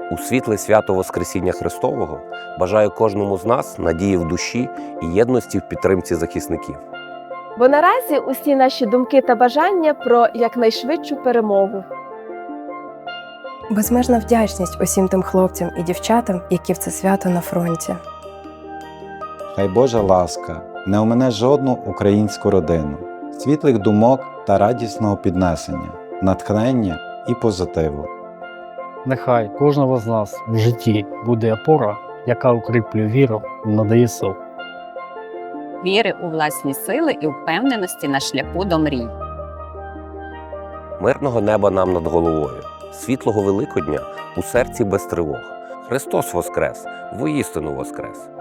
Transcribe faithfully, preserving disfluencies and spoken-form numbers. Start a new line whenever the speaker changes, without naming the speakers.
У світле свято Воскресіння Христового бажаю кожному з нас надії в душі і єдності в підтримці захисників.
Бо наразі усі наші думки та бажання про якнайшвидшу перемогу.
Безмежна вдячність усім тим хлопцям і дівчатам, які в це свято на фронті.
Хай Божа ласка не омине жодну українську родину, світлих думок та радісного піднесення, натхнення і позитиву.
Нехай кожного з нас в житті буде опора, яка укріплює віру і надає сил.
Віри у власні сили і впевненості на шляху до мрій.
Мирного неба нам над головою, світлого Великодня у серці без тривог. Христос воскрес, воістину воскрес!